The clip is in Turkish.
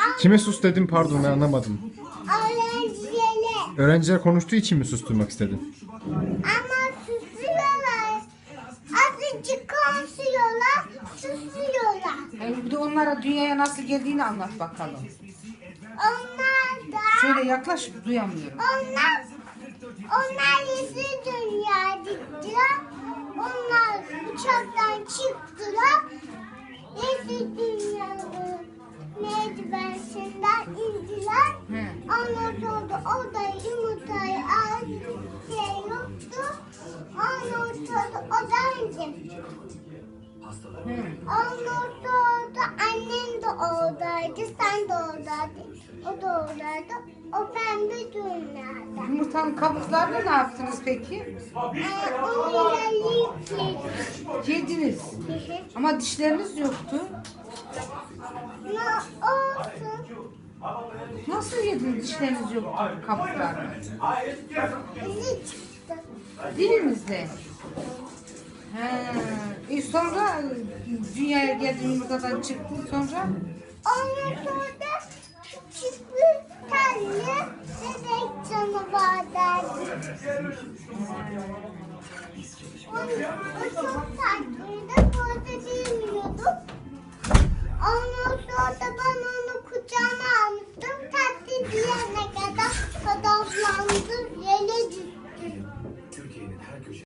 Kime sus dedim, pardon, ben anlamadım. Öğrencilere. Öğrenciler konuştuğu için mi susturmak istedin? Ama susuyorlar. Azıcık konuşuyorlar, susuyorlar. Bir de onlara dünyaya nasıl geldiğini anlat bakalım. Onlar da, Şöyle yaklaş, duyamıyorum. onlar yeşil dünya gittiler. Onlar uçaktan çıktılar. Yeşil dünyanın merdiveninden indiler. Ondan sonra orada yumurtayı az şey yoktu. Ondan sonra oradaydı. Ondan sonra annem de oradaydı, sen de oradaydın. O da oradaydı. O pembe dünyada. Yumurtanın kabuklarını ne yaptınız peki? Onu yiyip yedik. Yediniz. Ama dişleriniz yoktu. Ne olsun? Nasıl yediniz dişleriniz yoktu kabuklarını? İzi çıktı. Dilinizle. Sonra dünyaya geldin, yumurtadan çıktın sonra? Ondan sonra küçük bir tane bebek canavarlardı. O çok tatlıydı.